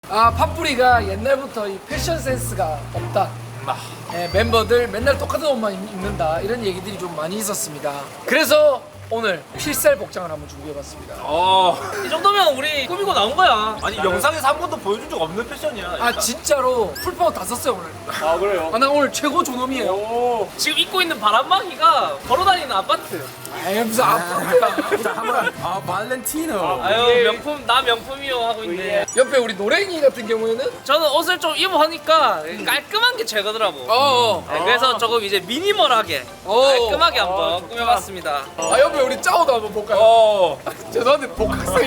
팝뿌리가 옛날부터 이 패션 센스가 없다. 멤버들 맨날 똑같은 옷만 입는다 이런 얘기들이 좀 많이 있었습니다. 그래서 오늘 필살 복장을 한번 준비해봤습니다. 이 정도면 우리 꾸미고 나온 거야. 아니 영상에서 한 번도 보여준 적 없는 패션이야. 진짜로 풀파워 다 썼어요 오늘. 그래요? 나 오늘 최고 존엄이에요. 지금 입고 있는 바람막이가 걸어다니는 아파트. 무슨 아파트야. 발렌티노. 아유 명품 나 명품이요 하고 있네. 옆에 우리 노랭이 같은 경우에는 저는 옷을 좀 입어보니까 깔끔한 게 최고더라고. 네, 그래서 조금 이제 미니멀하게 깔끔하게 한번 꾸며봤습니다. 옆에 우리 짜오도 한번 볼까요? 죄송한데 복학생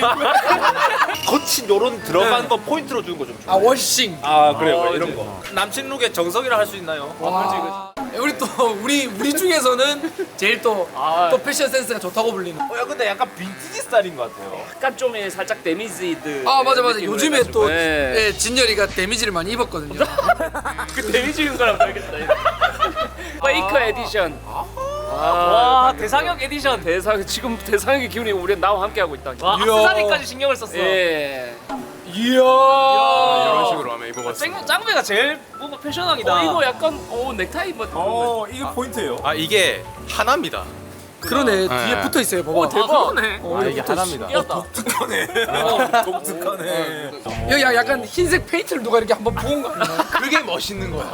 거친 요런 들어간 거 포인트로 주는 거 좀 줘. 워싱. 그래요 이런 거. 남친 룩의 정석이라 할 수 있나요? 우리 또 우리 중에서는 제일 또 패션 센스가 좋다고 불리는. 야 근데 약간 빈티지 스타일인 것 같아요. 약간 좀 살짝 데미지드. 맞아. 느낌으로 요즘에 해가지고. 또 네. 진열이가 데미지를 많이 입었거든요. 그 데미지인 거랑 다르겠다. 페이커 에디션. 와 대상역 에디션. 지금 대상의 기운이 우리 나와 함께 하고 있다. 와 악세사리까지 신경을 썼어. 예. 이야. 이런 식으로 하면 입어봤어. 짱배가 제일 뭔가 패셔너이다. 이거 약간 넥타이 뭐. 이게 포인트예요. 이게 하나입니다. 그러네. 뒤에 붙어 있어요. 봐봐. 대박. 이게 하나입니다. 귀엽다. 독특하네. 여기 약간 흰색 페인트를 누가 이렇게 한번 부은 거 아니야? 그게 멋있는 거야.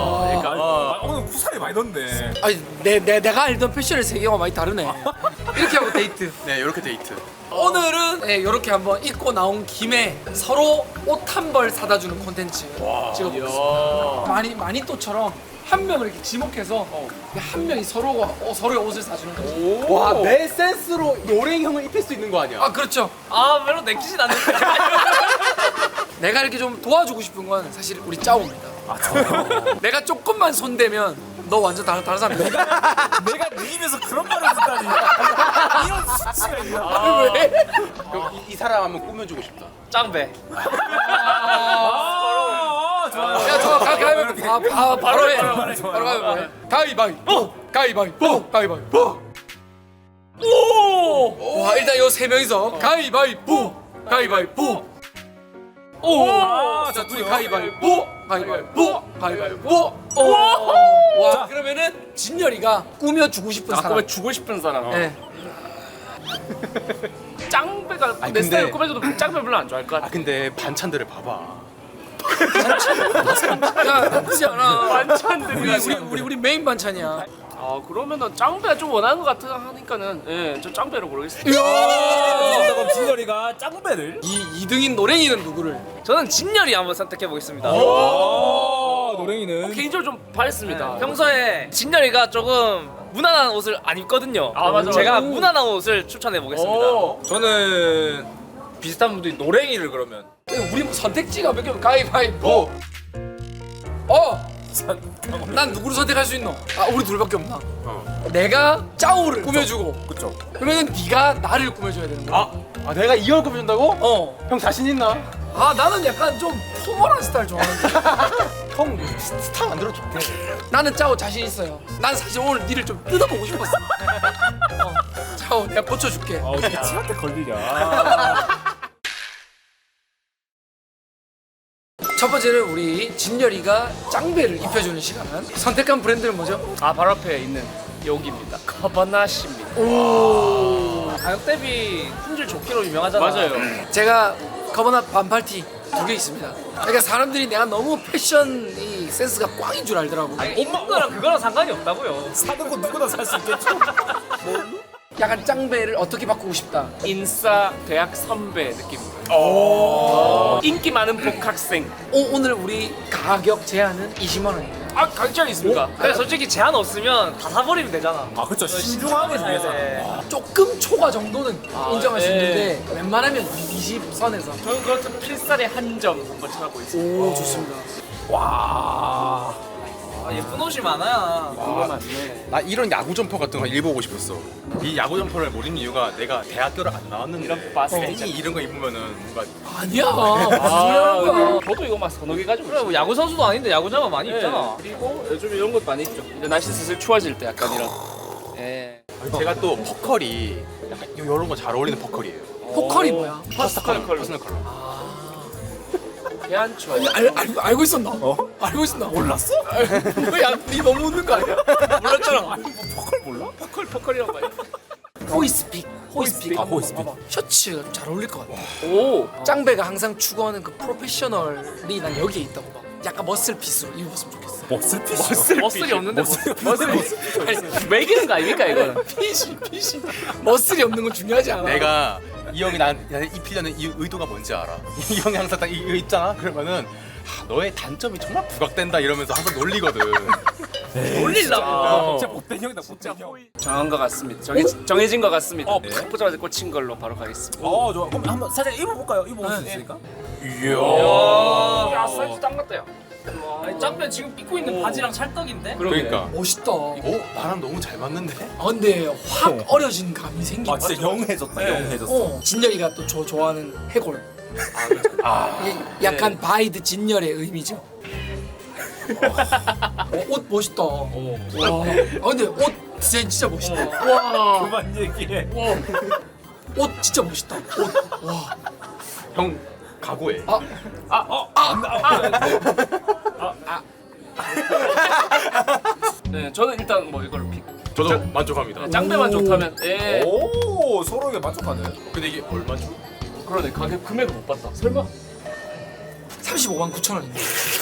오늘 구살이 많이 넣네. 내가 알던 패션의 세계와 많이 다르네. 이렇게 하고 데이트. 네, 이렇게 데이트. 오늘은 이렇게 한번 입고 나온 김에 서로 옷 한 벌 사다 주는 콘텐츠 찍어보겠습니다. 마니또처럼 한 명을 이렇게 지목해서 한 명이 서로의 옷을 사주는 거죠. 와, 내 센스로 노랭이 형을 입힐 수 있는 거 아니야? 그렇죠. 별로 내키진 않는데. 내가 이렇게 좀 도와주고 싶은 건 사실 우리 짜오입니다. 내가 조금만 손대면 너 완전 다른 사람이야. 내가 네 입에서 그런 말을 듣다니. 이런 수치가 있나? 왜? 그럼 이 사람 한번 꾸며주고 싶다. 짱배. 야, 저 가위바위보. 바로 해. 바로 가위바위보. 가위바위보. 가위바위보. 가위바위보. 오! 와, 일단 요 세 명이서 가위바위보. 가위바위보. 오! 자, 둘이 가위바위보. 가위바위보. 가위바위보. 오! 와, 그러면은 진열이가 꾸며주고 싶은 사람. 꾸며 주고 싶은 사람. 네. 짱배가 내 근데- 스타일 꾸며줘도 짱배 별로 안 좋아할 것 같아. 근데 반찬들을 봐봐. 야, 나쁘지 않아. 반찬들이. 우리 메인 반찬이야. 그러면은 짱배가 좀 원하는 것 같아 하니까는 저 짱배로 고르겠습니다. 그럼 진열이가 짱배를? 이 2등인 노랭이는 누구를? 저는 진열이 한번 선택해 보겠습니다. 노랭이는 개인적으로 좀 바랬습니다. 평소에 진열이가 조금 무난한 옷을 안 입거든요. 맞아. 제가 무난한 옷을 추천해 보겠습니다. 저는 비슷한 분들이 노랭이를 그러면 우리 뭐 선택지가 몇 개면 가위바위보. 난 누구를 선택할 수 있노? 우리 둘밖에 없나? 내가 짜오를 꾸며주고. 그쵸. 그러면은 네가 나를 꾸며줘야 되는 거야. 내가 이걸 꾸며준다고? 형 자신 있나? 나는 약간 좀 포멀한 스타일 좋아하는데. 형 스타 만들어줄게. 나는 짜오 자신 있어요. 난 사실 오늘 니를 좀 뜯어보고 싶었어. 짜오 내가 고쳐줄게. 치한테 걸리냐. 첫 번째는 우리 진열이가 짱배를 입혀주는 시간. 선택한 브랜드는 뭐죠? 바로 앞에 있는 여기입니다. 커버나시입니다. 가격 대비 품질 좋기로 유명하잖아. 맞아요. 제가 커버넛 반팔티 2개 있습니다. 그러니까 사람들이 내가 너무 패션이 센스가 꽝인 줄 알더라고. 입는 거랑 그거랑 상관이 없다고요. 사는 거 누구나 살 수 있겠죠. 약간 짱배를 어떻게 바꾸고 싶다. 인싸 대학 선배 느낌입니다. 인기 많은 복학생. 오늘 우리 가격 제한은 20만 원입니다. 가격 제한 있습니까? 근데 솔직히 제한 없으면 다 사버리면 되잖아. 그쵸. 신중하게 중요하잖아. 조금 초과 정도는 인정할 수 있는데 웬만하면 20선에서. 저는 그렇다면 필살의 한 점 한번 찾아보고 있습니다. 오, 좋습니다. 예쁜 옷이 많아요. 그거 맞네. 나 이런 야구 점퍼 같은 거 입어보고 싶었어. 이 야구 점퍼를 못 입는 이유가 내가 대학교를 안 나왔는데 이런 바스켓 팬이 이런 거 입으면은 뭔가 아니야. 중요한 거야. 저도 이거 막 서너 개 가지고 그래 뭐 야구 선수도 아닌데 야구장은 많이 입잖아. 그리고 요즘 이런 것도 많이 있죠. 이제 날씨 슬슬 추워질 때 약간 이런. 예. 제가 또 퍼컬이 약간 이런 거 잘 어울리는 퍼컬이에요. 포컬이 뭐야? 퍼스널 컬러. 퍼스널 컬러. 해안초. 알고 있었나? 알고 있었나? 몰랐어? 뭐야, 니 너무 웃는 거 아니야? 몰랐잖아. 포컬이라고 봐요. 호이스픽. 아, 호이스픽. 셔츠가 좀 잘 어울릴 것 같아. 오. 짱배가 항상 추구하는 그 프로페셔널이 난 여기에 있다고 봐. 약간 머슬핏으로 입었으면 좋겠어. 머슬이 없는데 머슬이 매기는 거 아닙니까 이거는? 핏이 머슬이 없는 건 중요하지 않아. 내가 이 형이 나한테 입히려는 이 의도가 뭔지 알아. 이 형이 항상 딱 이거 입잖아. 그러면은 너의 단점이 정말 부각된다 이러면서 항상 놀리거든. 올리려고. 진짜 못된 형이다, 못된 형. 정한 것 같습니다. 정해진 것 같습니다. 탁 보자마자 꽂힌 걸로 바로 가겠습니다. 좋아. 그럼 한번 살짝 입어볼까요? 입어볼 수 있으니까. 야 사이즈 딱 맞다요. 아니 짱배 지금 입고 있는 바지랑 찰떡인데? 그러니까. 멋있다. 나랑 너무 잘 맞는데? 근데 확 어려진 감이 생긴 아, 진짜 영해졌다, 영해졌어. 진열이가 또 좋아하는 해골. 이게 약간 바이드 진열의 의미죠. 옷 멋있다. 와. 근데 옷 진짜 멋있다. 와. 그만 얘기해. 옷 진짜 멋있다. 옷. 와. 형 각오해. 네, 저는 일단 뭐 이걸 픽. 저도 만족합니다. 짱배만 좋다면. 예. 오, 서로에게 만족하네. 근데 이게 얼마죠? 그러네. 가격 금액을 못 봤다. 설마? 35만 9천 원입니다.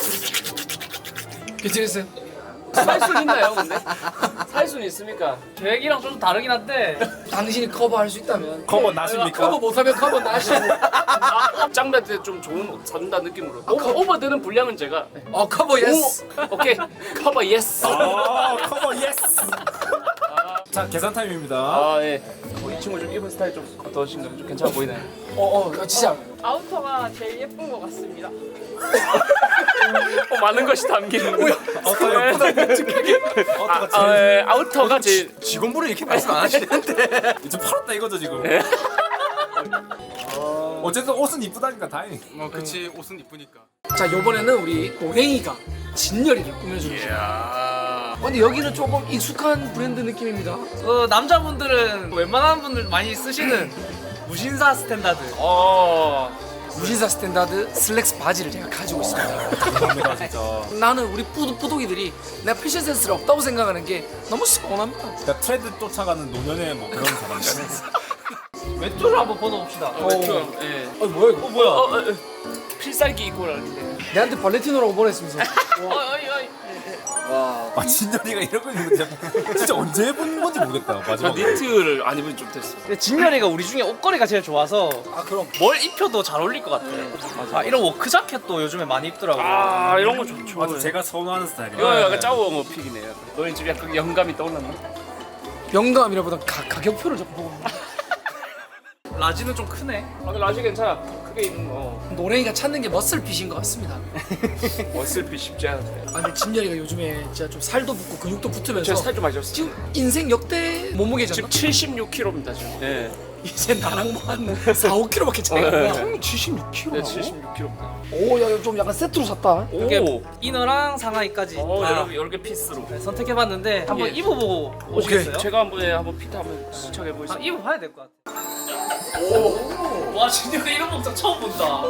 괜찮으세요? 살 순 있나요, 근데? 살 순 있습니까? 계획이랑 좀 다르긴 한데 당신이 커버할 수 있다면. 커버 나십니까? 커버 못하면 커버 나시고. 짱배한테 좀 좋은 옷 사준다는 느낌으로. 오버되는 분량은 제가. 커버 예스. 오케이. 커버 예스. 커버 예스. 자, 계산 타임입니다. 아 예. 이 친구 좀 입은 스타일 좀 어떠신가요? 좀 괜찮아 보이나요? 진짜. 아우터가 제일 예쁜 것 같습니다. 많은 것이 담기는. 어떤 아우터가 제일. 직원분은 이렇게 말씀 안 하시는데. 이제 팔았다 이거죠 지금. 어쨌든 옷은 이쁘다니까 다행히. 그치 옷은 이쁘니까. 자, 요번에는 우리 노랭이가 진열이를 꾸며주는 시간. 근데 여기는 조금 익숙한 브랜드 느낌입니다. 남자분들은 웬만한 분들 많이 쓰시는 무신사 스탠다드. 무신사 스탠다드 슬랙스 바지를 제가 가지고 있습니다. 감사합니다 진짜. 나는 우리 뿌독이들이 내가 패션 센스가 없다고 생각하는 게 너무 서운합니다. 그러니까 트렌드 쫓아가는 노년의 뭐 그런 사람들. 외투를 한번 벗어봅시다. 외투. 예. 뭐야 이거? 뭐야? 필살기 입고 나는데. 내한테 발레티노라고 보냈으면서. 아, 진열이가 이런 거 입는 거 진짜 언제 해본 건지 모르겠다. 저 마지막에. 니트를 안 입은 지 좀 됐어. 근데 진열이가 우리 중에 옷걸이가 제일 좋아서 그럼. 뭘 입혀도 잘 어울릴 것 같아. 이런 워크 자켓도 요즘에 많이 입더라고. 이런 거 좋죠. 아주 제가 선호하는 스타일이에요. 이거 약간 짜오어 픽이네요. 너희 집 약간 영감이 떠올랐나? 영감이라보다 가격표를 좀 보고. 라지는 좀 크네. 근데 라지 괜찮아. 크게 입는 거. 노랭이가 찾는 게 머슬핏인 것 같습니다. 머슬핏 쉽지 않은데. 근데 진열이가 요즘에 진짜 좀 살도 붙고 근육도 붙으면서 제가 살 좀 많이 쪘어요. 지금 인생 역대 몸무게잖아. 지금 76kg입니다 지금. 네. 이제 나랑 뭐한 4, 5kg밖에 차이가 안 나. 형이 76kg. 네, 76kg. 오, 야, 좀 약간 세트로 샀다. 이렇게 이너랑 상하이까지 다 여러 개 피스로. 선택해봤는데 한번 예. 입어보고 오시겠어요? 제가 한번 피트 한번 시청해 보겠습니다. 입어봐야 될 것 같아. 와 진열이 이런 목장 처음 본다.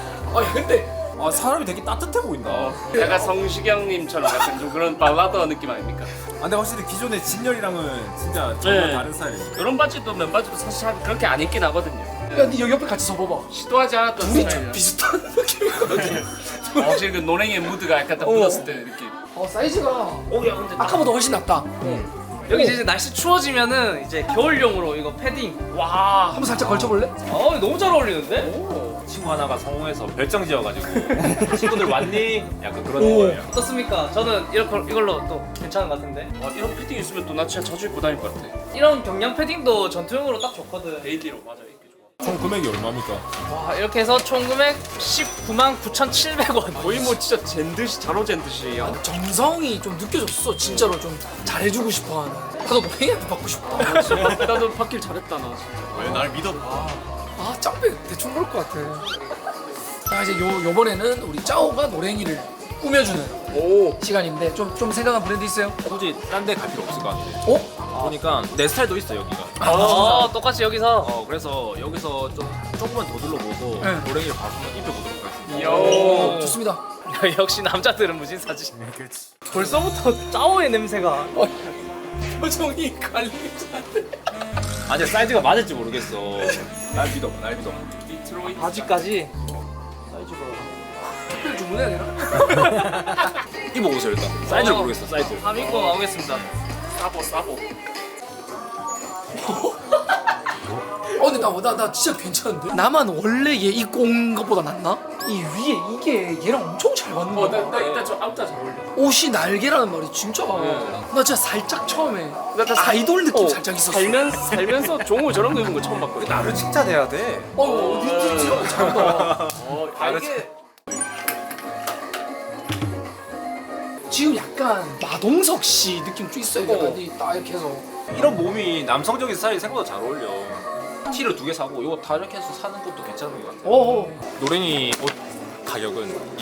근데 아, 사람이 되게 따뜻해 보인다. 약간 성시경님처럼 약간 좀 그런 발라더 느낌 아닙니까? 아, 근데 확실히 기존의 진열이랑은 진짜 정말 네. 다른 스타일이에요. 이런 바지도 맨바지도 사실 잘 그렇게 안 입긴 하거든요. 야, 니 여기 옆에 같이 서봐봐. 시도하지 않았던 둘이 좀 스타일이라. 비슷한 느낌이거든. 확실히 그 노랭이의 무드가 약간 딱 묻었을 때 느낌. 사이즈가 야 근데 아까보다 훨씬 낫다. 여기 이제 날씨 추워지면은 이제 겨울용으로 이거 패딩. 와. 한번 살짝 걸쳐볼래? 너무 잘 어울리는데? 친구 하나가 성공해서 별정 지어가지고 친구들 왔니? 약간 그런 오. 거예요. 어떻습니까? 저는 이걸로 또 괜찮은 것 같은데. 이런 패딩 있으면 또 나 진짜 자주 입고 다닐 것 같아. 이런 경량 패딩도 전투용으로 딱 좋거든. 데일리로 맞아 입기 좋아. 총 금액이 얼마입니까? 와 이렇게 해서 총 금액 19만 9,700원. 거의 뭐 진짜 젠듯이 자로 젠듯이. 정성이 좀 느껴졌어. 진짜로 좀 잘해주고 싶어하는. 나도 노랭이한테 받고 싶다. 나도 받길 잘했다 나 진짜. 왜 날 믿어봐. 짱배 대충 그럴 것 같아. 자, 이제 요번에는 우리 짜오가 노랭이를 꾸며주는 시간인데 좀 생각한 브랜드 있어요? 굳이 딴 데 갈 필요 없을 것 같아. 어? 보니까 내 스타일도 있어 여기가. 똑같이 여기서. 그래서 여기서 좀 조금만 더 둘러보고 노랭이를 바로 한번 입혀보도록 하겠습니다. 오. 좋습니다. 역시 남자들은 무진사지. 벌써부터 짜오의 냄새가. 표정이 갈리지 않네. 아니야 사이즈가 맞을지 모르겠어. 날 믿어. 바지까지. 특별 주문해야 되나? 입어보세요 일단. 사이즈를 모르겠어 사이즈. 다 믿고 나오겠습니다. 근데 나 진짜 괜찮은데? 나만 원래 얘 입고 온 것보다 낫나? 이 위에 이게 얘랑 엄청 잘 맞는 거야. 나 일단 저 아웃다 잘 어울려. 옷이 날개라는 말이 진짜. 나 진짜 살짝 처음에 아이돌 느낌 살짝 있었어. 살면서 종우 저런 거 입은 거 처음 봤거든. 나를 칭찬해야 돼. 어디 진짜 잘한다. 이게 지금 약간 마동석 씨 느낌 좀 있어요. 약간 딱 이렇게 해서. 이런 몸이 남성적인 스타일이 생각보다 잘 어울려. 티를 2개 사고 이거 다 이렇게 해서 사는 것도 괜찮은 것 같아. 노랭이 옷 가격은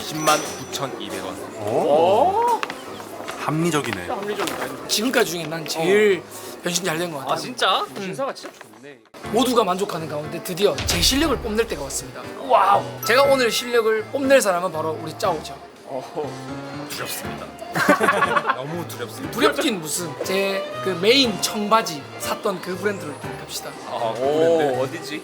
202,200원. 합리적이네. 지금까지 중에 난 제일 변신 잘 된 것 같아. 아 진짜? 신사가 진짜 좋네. 모두가 만족하는 가운데 드디어 제 실력을 뽐낼 때가 왔습니다. 와우. 제가 오늘 실력을 뽐낼 사람은 바로 우리 짜오죠. 두렵습니다. 너무 두렵습니다. 두렵긴 무슨 제 그 메인 청바지 샀던 그 브랜드로 갑시다. 오 어디지?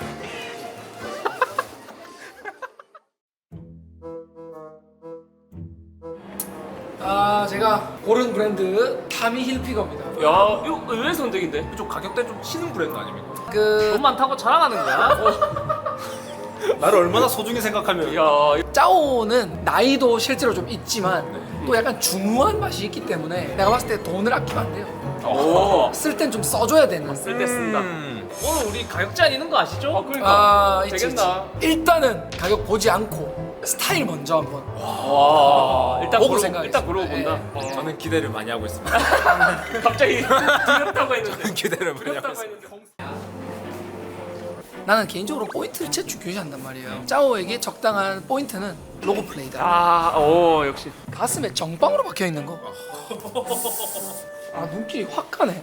제가 고른 브랜드 타미 힐피거입니다. 야 이거 의외의 선택인데. 좀 가격대 좀 치는 브랜드 아닙니까? 그 돈 많다고 자랑하는 거야? 나를 얼마나 소중히 생각하면. 야 짜오는 나이도 실제로 좀 있지만 또 약간 중후한 맛이 있기 때문에 내가 봤을 때 돈을 아끼면 안 돼요. 오. 쓸 땐 좀 써줘야 되는. 쓸 때 쓴다. 오늘 우리 가격 제한 있는 거 아시죠? 그러니까 있지, 되겠나? 있지. 일단은 가격 보지 않고 스타일 먼저 한번. 와 일단 보고 그러고 생각하겠습니다. 일단 그러고 본다. 네. 저는 기대를 많이 하고 있습니다. 갑자기 두렵다고 했는데. 기대를 많이 하고 두렵다고 있습니다. 했는데. 나는 개인적으로 포인트를 제일 중요시한단 말이에요. 짜오에게 적당한 포인트는 로고 플레이다. 아오 역시. 가슴에 정빵으로 박혀 있는 거. 눈길이 확 가네.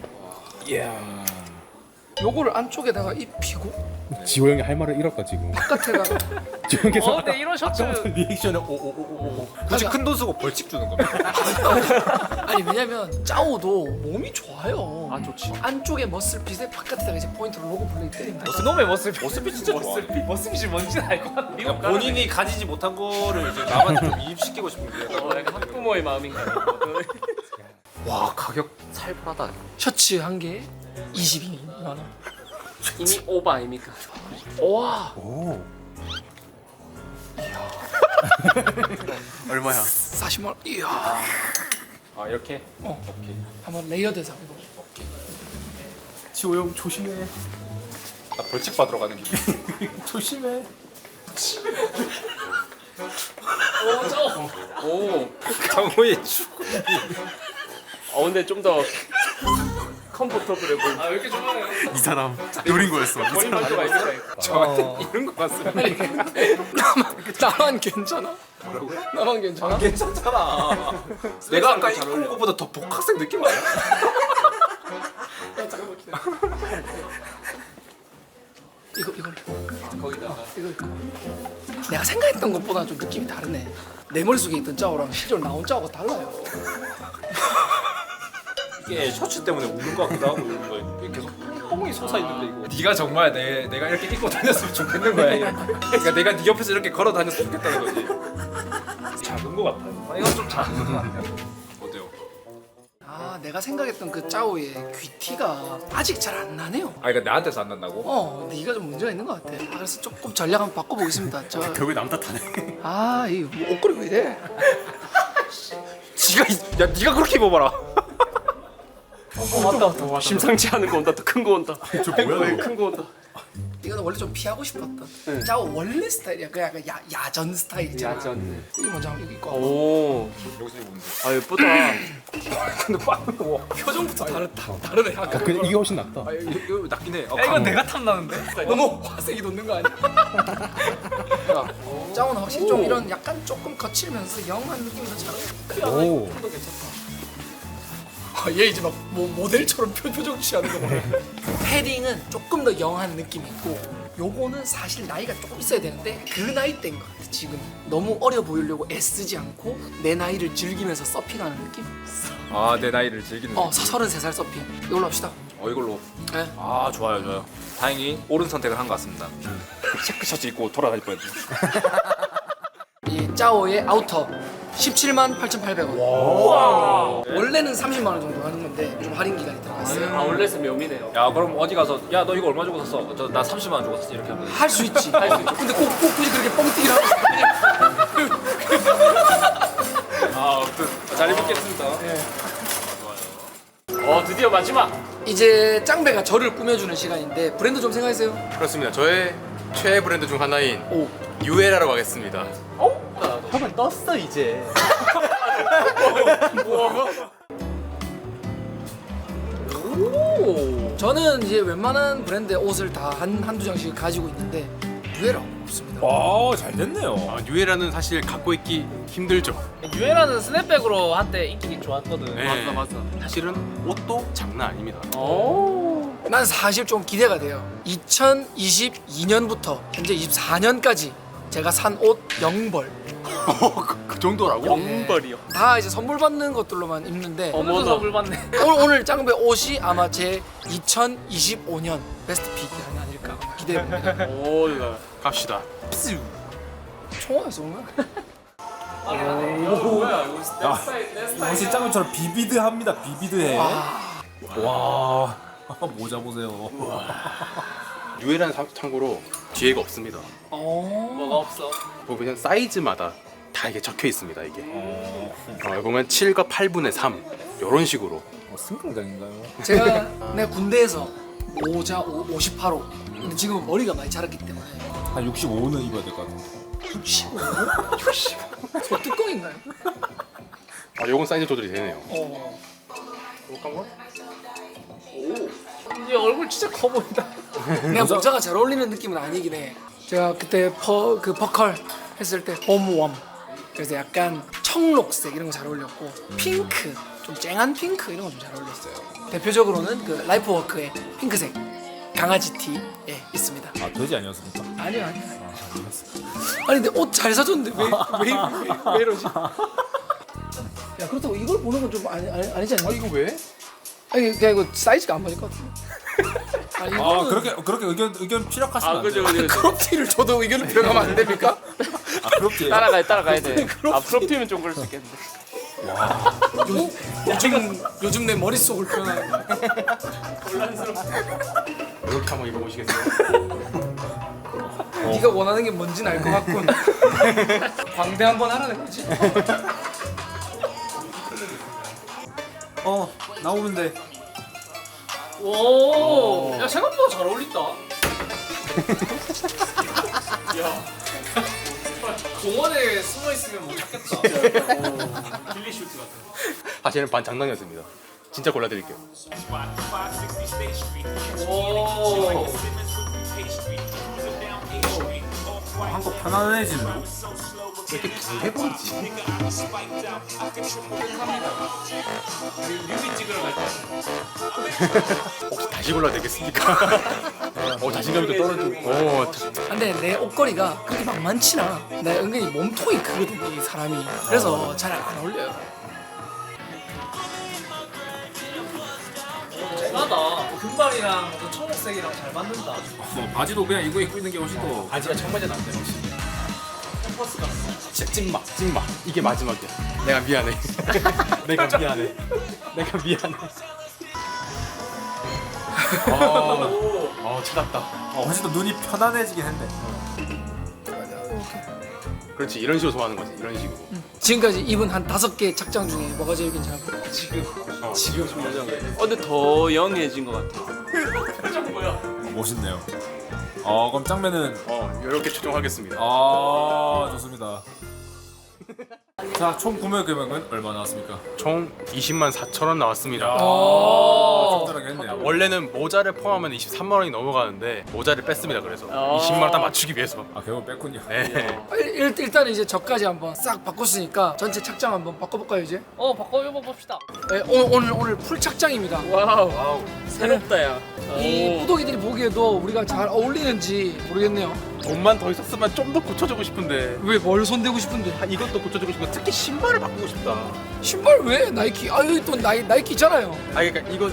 요거를 안쪽에다가 입히고 지호 형이 할 말을 잃었다 지금. 바깥에다가 지호 형께서 근데 이런 셔츠 리액션에 오오오오. 굳이 큰 돈 쓰고 벌칙 주는 겁니다. 아니 왜냐면 짜오도 몸이 좋아요. 아 좋지. 안쪽에 머슬핏에 바깥에다가 이제 포인트로 로고 플레이 때립니다. 놈의 머슬핏. 머스핏 진짜 좋아. 머슬핏이 뭔지는 알 것 같아. 그러니까 본인이 가지지 못한 거를 이제 남한테 좀 이입시키고 싶은 게 약간 학부모의 마음인가. 와 가격 살벌하다. 셔츠 한 개에 22만 원. 이미 오바 아닙니까? 와 오. 얼마야? 40만 원. 이야. 아 이렇게? 한번 레이어드해서 입어. 지호 형 조심해. 나 벌칙 받으러 가는 길. 조심해. 오. 장호의 축. 근데 좀 더 컴포터블해 보인다. 아 왜 이렇게 좋아해요? 이 사람 노린 거였어. 머리 만져가 있으니까. 저한테 이런 거 같습니다. 나만 괜찮아? 나만 괜찮아? 괜찮잖아. 내가 아까 입고 온 것보다 더 복학생 느낌 아니야? 이걸 거기다가. 이거 내가 생각했던 것보다 좀 느낌이 다르네. 내 머릿속에 있던 짜오랑 실제로 나온 짜오가 달라요. 이게 셔츠 때문에 웃는 것 같기도 하고 이런 거 이게 계속 뽕이 솟아 있는데 이거. 네가 정말 내가 이렇게 입고 다녔으면 좋겠는 거야. 그러니까 내가 네 옆에서 이렇게 걸어 다녔으면 좋겠다는 거지. 작은 것 같아요. 이건 좀 작은 것 같아요. 어때요? 내가 생각했던 그 짜오의 귀티가 아직 잘 안 나네요. 아 그러니까 나한테서 안 난다고? 네가 좀 문제가 있는 것 같아. 그래서 조금 전략 한번 바꿔보겠습니다. 결국에 남 탓하네. 이 옷걸이 왜 이래? 야 네가 그렇게 입어봐라. 와 심상치 않은 거 온다. 더 큰 거 온다. 저 뭐야? 큰 거 온다. 이거는 원래 좀 피하고 싶었던 짜오 원래 스타일이야. 그 약간 야전 스타일이잖아. 야전. 이거 먼저 한번 이거 입고 와봐. 오. 여기서 입으면 돼. 아 예쁘다. 근데 빵. 와. 표정부터 다르네. 아까 근데 이게 훨씬 낫다. 이거 낫긴 해. 이건 내가 탐나는데? 너무 화색이 돋는 거 아니야? 짜오는 확실히 좀 이런 약간 조금 거칠면서 영한 느낌이 더 잘 어울려. 오. 도 괜찮다. 얘 이제 막 모델처럼 표정 취하는 거 보네. 패딩은 조금 더 영한 느낌이 있고 요거는 사실 나이가 조금 있어야 되는데 그 나이 때인 것 같아. 지금 너무 어려 보이려고 애쓰지 않고 내 나이를 즐기면서 서핑하는 느낌? 아, 내 나이를 즐기는. 33살 서핑. 이걸로 합시다. 이걸로. 네. 아, 좋아요. 다행히 옳은 선택을 한 것 같습니다. 체크 셔츠 입고 돌아다닐 뻔했네. 이 짜오의 아우터 17만 8,800원. 원래는 30만 원 정도 하는 건데 좀 할인 기간이 들어갔어요. 아 원래는 묘미네요. 야, 그럼 어디 가서 야, 너 이거 얼마 주고 샀어? 나 30만 원 주고 샀어. 이렇게 하면. 할 수 있지. 할 수 있지. 근데 꼭 굳이 그렇게 뻥튀기를 하고 잘 입겠습니다. 드디어 마지막. 이제 짱배가 저를 꾸며주는 시간인데 브랜드 좀 생각하세요. 그렇습니다. 저의 최애 브랜드 중 하나인 오. 유에라로 가겠습니다. 형은 떴어 이제. 저는 이제 웬만한 브랜드의 옷을 다 한두 장씩 가지고 있는데 유에라 없습니다. 와, 잘 됐네요. 유에라는 사실 갖고 있기 힘들죠. 유에라는 스냅백으로 한때 인기 좋았거든. 네. 맞아. 사실은 옷도 장난 아닙니다. 난 사실 좀 기대가 돼요. 2022년부터 현재 24년까지 제가 산 옷 0벌. 그 정도라고? 영벌이요. 다 이제 선물 받는 것들로만 입는데 어머나 선물 받네. 오늘 짱배 옷이 아마 제 2025년 베스트 픽이 아닐까 기대해봅니다. 오, 갑시다. 총알에서 온 거야? 혹시 짱구처럼 비비드합니다. 비비드해. 와, 모자 보세요. 유에라는 참고로 뒤에가 없습니다. 뭐가 없어? 보면 사이즈마다 다 이게 적혀 있습니다. 이게. 보면 7과 8분의 3 이런 식으로. 승강장인가요? 내가 군대에서 모자 58호. 근데 지금은 머리가 많이 자랐기 때문에 한 65는 입어야 될 것 같은데. 65? 65? 소뚜껑인가요? 요건 사이즈 조절이 되네요. 얘 얼굴 진짜 커 보인다. 내가 모자가 잘 어울리는 느낌은 아니긴 해. 제가 그때 버컬 했을 때 홈웜 그래서 약간 청록색 이런 거 잘 어울렸고 핑크 좀 쨍한 핑크 이런 거 좀 잘 어울렸어요. 대표적으로는 그 라이프워크의 핑크색 강아지 티에 있습니다. 아, 돼지 아니었습니까? 아니요. 아니 근데 옷 잘 사줬는데 왜 이러지? 야 그렇다고 이걸 보는 건 좀 아니지 않나? 이거 왜? 아니 그냥 이거 사이즈가 안 맞을 것 같은데. 아니, 아, 그렇게 의견 피력하시면 안 돼요. 크롭티를 줘도 의견을 표현하면 안 됩니까? 아, 그렇게. 따라가야 돼. 앞으로티면 좀 그럴 수 있겠는데. 요즘 내 머릿속을 표현하는 거야. 이렇게 한번 입어보시겠어요? 네가 원하는 게 뭔지는 알 것 같군. 광대 한번 하라는 거지? 나오면 돼. 오, 야 생각보다 잘 어울린다. 야, 공원에 숨어 있으면 못 찾겠다. 빌리 슈트 같아. 사실은 반 장난이었습니다. 진짜 골라드릴게요. 오, 한껏 편안해지네. 이렇게 붕해보이지? 혹시 다시 골라도 되겠습니까? 자신감이 또 떨어지고. 근데 내 옷걸이가 그렇게 만만치 않아. 나 은근히 몸통이 크거든 이 사람이. 그래서 잘 안 어울려요. 쨍하다. 금발이랑 그 청록색이랑 잘 맞는다. 바지도 그냥 이거 입고 있는 게 훨씬 더. 바지가 청바지 남대 혹시? 진짜 찐막. 이게 마지막이야. 내가 미안해. 내가 미안해. 찾았다. 훨씬 더 눈이 편안해지긴 했네. 그렇지, 이런 식으로 소화하는 거지. 이런 식으로. 지금까지 입은 한 5개 착장 중에 뭐가 제일 괜찮아? 지금 근데 더 영해진 것 같아. 멋있네요. 그럼 짱배는 이렇게 추정하겠습니다. 좋습니다. 자, 총 구매 금액은 얼마 나왔습니까? 총 20만 4천 원 나왔습니다. 짭짤하게 했네요. 원래는 모자를 포함하면 23만 원이 넘어가는데 모자를 뺐습니다. 그래서 20만 원 딱 맞추기 위해서. 아 결국 뺐군요. 네. 일단은 이제 저까지 한번 싹 바꿨으니까 전체 착장 한번 바꿔볼까요 이제? 바꿔봅시다. 네, 오늘 풀 착장입니다. 와우. 새롭다 야. 이 구독이들이 보기에도 우리가 잘 어울리는지 모르겠네요. 돈만 더 있었으면 좀 더 고쳐주고 싶은데. 왜 뭘 손대고 싶은데? 아, 이것도 고쳐주고 싶고 특히 신발을 바꾸고 싶다. 신발 왜? 나이키. 아 여기 또 나이키 있잖아요. 아 그러니까 이거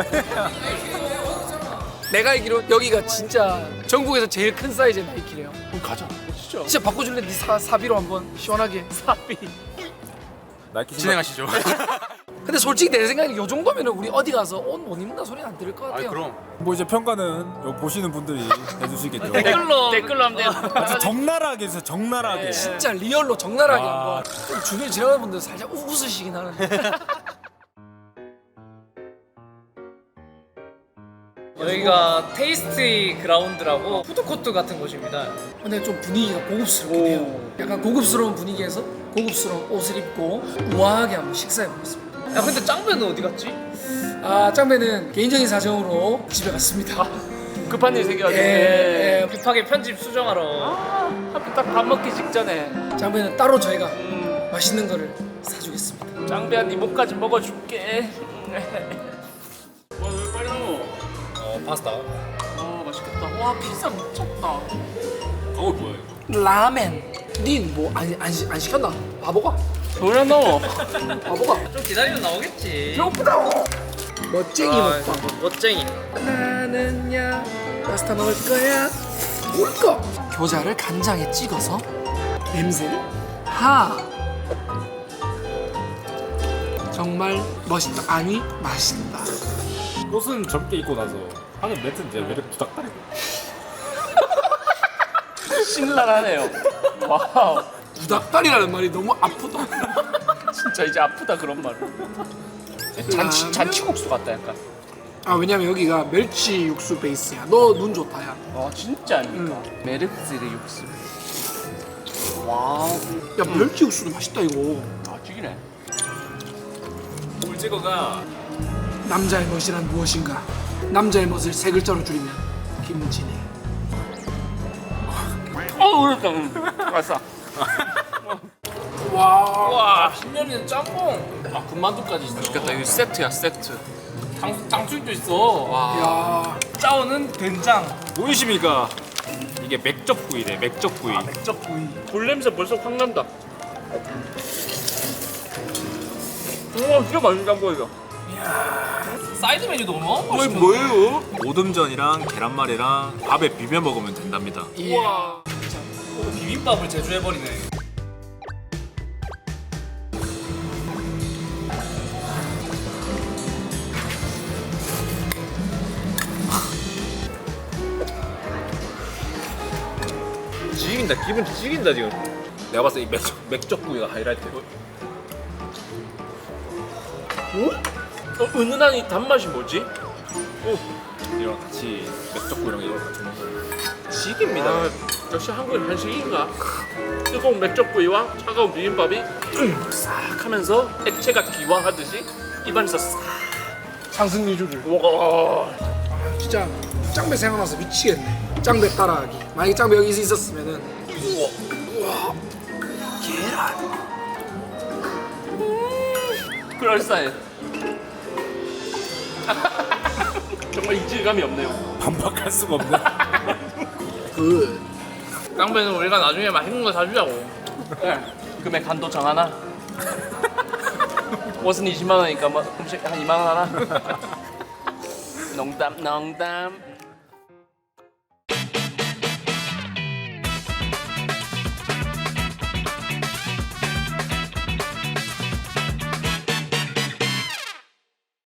내가 알기로 여기가 진짜 전국에서 제일 큰 사이즈의 나이키래요. 그럼 가자. 진짜 바꿔줄래? 네 사비로 한번 시원하게. 사비. 나이키 진행하시죠. 근데 솔직히 내 생각에 요 정도면 우리 어디 가서 옷 못 입는다 소리 안 들을 것 아 같아요. 그럼. 뭐 이제 평가는 요 보시는 분들이 해주시겠죠. 댓글로 하면 돼요. 아주 적나라하게 해서 적나라하게. 진짜 리얼로 적나라하게 아. 한번. 좀 주변에 지나가는 분들 살짝 웃으시긴 하는데. 여기가 테이스티 그라운드라고 푸드코트 같은 곳입니다. 근데 좀 분위기가 고급스럽긴 해요. 약간 고급스러운 분위기에서 고급스러운 옷을 입고 우아하게 한번 식사해 보겠습니다. 야 근데 짱배는 어디 갔지? 아 짱배는 개인적인 사정으로 집에 갔습니다. 급한 일 생겨가지고. 예, 급하게 편집 수정하러. 하필 딱 밥 먹기 직전에 짱배는 따로 저희가 맛있는 거를 사주겠습니다. 짱배야 네 목까지 먹어줄게. 빨리 넣어. 파스타. 맛있겠다. 와 피자 미쳤다. 뭐야 이거? 라멘. 닌 뭐 안 시켰나? 바보가? 그래 넣어. 바보가? 좀 기다리면 나오겠지. 배고프다. 멋쟁이 먹방. 멋쟁이. 나는야 파스타 먹을 거야. 우리 거. 겨자를 간장에 찍어서 냄새를 정말 멋있다. 아니 맛있다. 옷은 젊게 입고 나서 하는 멘트는 이제 매력 부탁드리고. 신랄하네요. 와우. 부닭다리라는 말이 너무 아프다. 진짜 이제 아프다 그런 말을. 잔치국수 같다 약간. 아 왜냐면 여기가 멸치 육수 베이스야. 너 눈 좋다 야. 진짜 아닙니까? 메르스르 육수. 와우. 야 멸치 육수도 맛있다 이거. 죽이네. 꿀찍어가 남자의 멋이란 무엇인가? 남자의 멋을 세 글자로 줄이면 김진애. 그랬다. 맛있어. 와 신년이는 짬뽕. 군만두까지 있어. 맛있겠다. 이거 세트야 세트. 당수육도 있어. 와. 야 짜오는 된장. 보이십니까? 이게 맥적구이래. 맥적구이. 맥적구이. 불 냄새 벌써 확 난다. 우와 진짜 맛있다 보이죠. 사이드 메뉴도 너무 이거 뭐예요? 오듬전이랑 계란말이랑 밥에 비벼 먹으면 된답니다. 이야. 비빔밥을 제조해버리네. 지긴다. 기분 지긴다 지금. 내가 봤을 때 이 맥적구이가 하이라이트. 은은한 이 단맛이 뭐지? 이랑 같이 맥적구이랑 이걸 같이 먹으면 지깁니다. 역시 한국의 한식인가? 뜨거운 맥적구이와 차가운 비빔밥이 싹 하면서 액체가 기화하듯이 입안에서 싹. 상승유주를. 와. 진짜 짱배 생각나서 미치겠네. 짱배 따라하기. 만약에 짱배 여기 있었으면은 우와 계란. 그럴싸해. 정말 이질감이 없네요. 반박할 수가 없네. 그 깡배는 우리가 나중에 맛있는 거 사주자고. 네. 금액 한도 정하나? 옷은 20만 원이니까 뭐 음식 한 2만 원 하나? 농담.